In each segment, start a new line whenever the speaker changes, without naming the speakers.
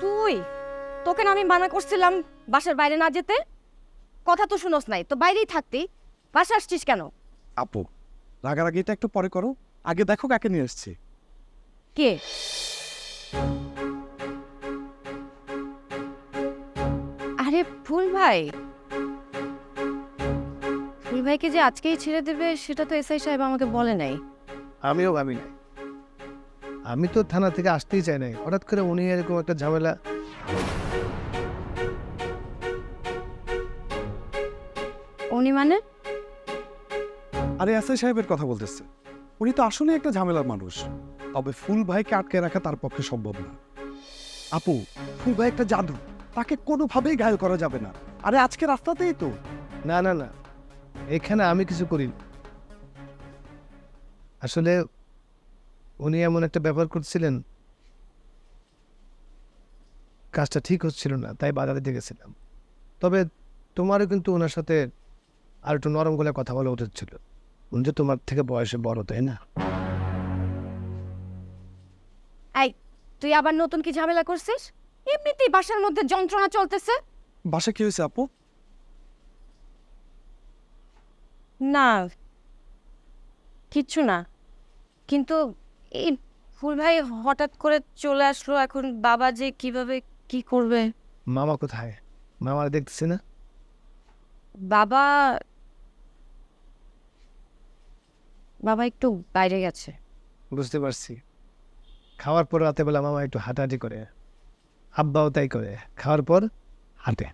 তুই তোকে না আমি মানা করছিলাম বাসার বাইরে না যেতে, কথা তো শুনোস নাই, তো বাইরেই থাকতি, বাসা আসছিস কেন?
আপু রাগারাগিটা একটু পরে করো, আগে দেখো কাকে নিয়ে এসছি।
কে? আরে ফুল ভাই, ফুল ভাইকে যে আজকেই ছেড়ে দেবে সেটা তো এসআই সাহেব আমাকে বলে নাই।
আমিও ভাবি নাই, আমি তো থানা থেকে আসতেই চাই নাই, হঠাৎ করে উনি এরকম একটা ঝামেলা।
উনি মানে?
আরে এসআই সাহেবের কথা বলতেছে, উনি তো আসলে একটা ঝামেলার মানুষ, তবে ফুল ভাইকে আটকে রাখা তার পক্ষে সম্ভব না। আপু ফুল ভাই একটা জাদু, তাকে কোনোভাবেই ঘায়ল করা যাবে না। আরে আজকে রাস্তাতেই তো।
না না না, এখানে আমি কিছু করি আসলে উনি এমন একটা ব্যাপার করছিলেন, কাজটা ঠিক হচ্ছিল না, তাই বাধা দিতে গেছিলাম। তবে তোমারও কিন্তু ওনার সাথে আর একটু নরম গলায় কথা বলা উচিত ছিল, উনি যে তোমার থেকে বয়সে বড়, তাই না?
এই তুই আবার নতুন কি ঝামেলা করছিস? এমনিতেই বাসার মধ্যে যন্ত্রণা চলতেছে।
বাসা কি হয়েছে আপু?
না কিচ্ছু না, কিন্তু এই ফুল ভাই হঠাৎ করে চলে আসলো, এখন বাবা যে কিভাবে কি করবে।
মামা কোথায়? মামা দেখতেছি না।
বাবা বাবা একটু বাইরে গেছে।
বুঝতে পারছি, খাওয়ার পর রাতে বেলা মামা একটু হাঁটাহাঁটি করে, আব্বাও তাই করে, খাওয়ার পর হাঁটে।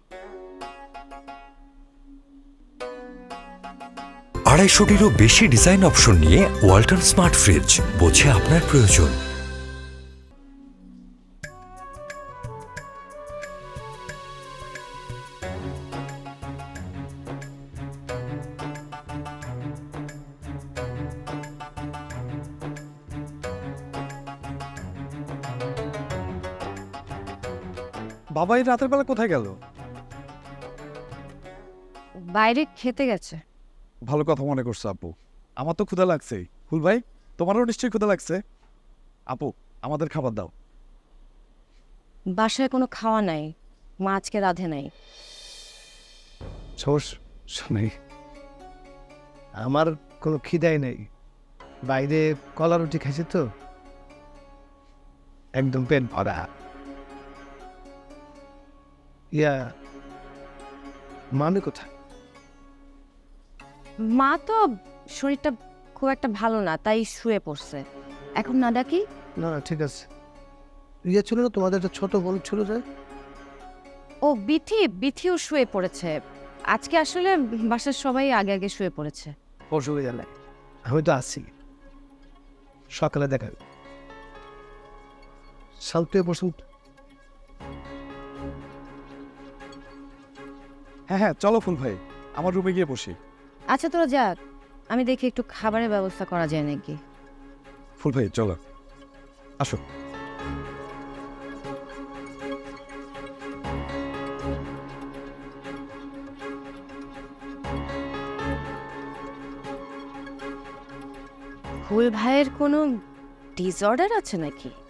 250-টিরও বেশি ডিজাইন অপশন নিয়ে ওয়ালটন স্মার্ট ফ্রিজ, বোঝে আপনার প্রয়োজন।
বাবা এই রাতের বেলা কোথায় গেল?
বাইরে খেতে গেছে।
ভালো কথা মনে করছো আপু, আমার তো ক্ষুধা লাগছেই। ফুল ভাই তোমারও নিশ্চয়ই ক্ষুধা লাগছে। আপু আমাদের খাবার দাও।
বাসায় কোনো খাওয়া নাই, মা আজকে রাঁধে নাই।
সমস্যা নেই, আমার কোনো খিদাই নেই, বাইরে কলা রুটি খাইছি তো, একদম পেট ভরা। ইয়া মামি কোথায়?
মা তো শরীরটা খুব একটা ভালো না, তাই শুয়ে পড়ছে। এখন না ডাকি?
না না ঠিক আছে। ইয়ে ছিল না তোমাদের একটা ছোট বোন ছিল যে?
ও বিথিও শুয়ে পড়েছে। আজকে আসলে বাসার সবাই আগে আগে শুয়ে পড়েছে।
অসুবিধা নাই, আমি তো আছি, সকালে দেখা হবে। শান্তি বসুন।
হ্যাঁ হ্যাঁ চলো ফুল ভাই, আমার রুমে গিয়ে বসি।
আচ্ছা তোরা যাক, আমি দেখি একটু খাবারের ব্যবস্থা করা যায় নাকি।
ফুল ভাই চলো, আসো।
ফুল ভাইয়ের কোনো ডিসঅর্ডার আছে নাকি?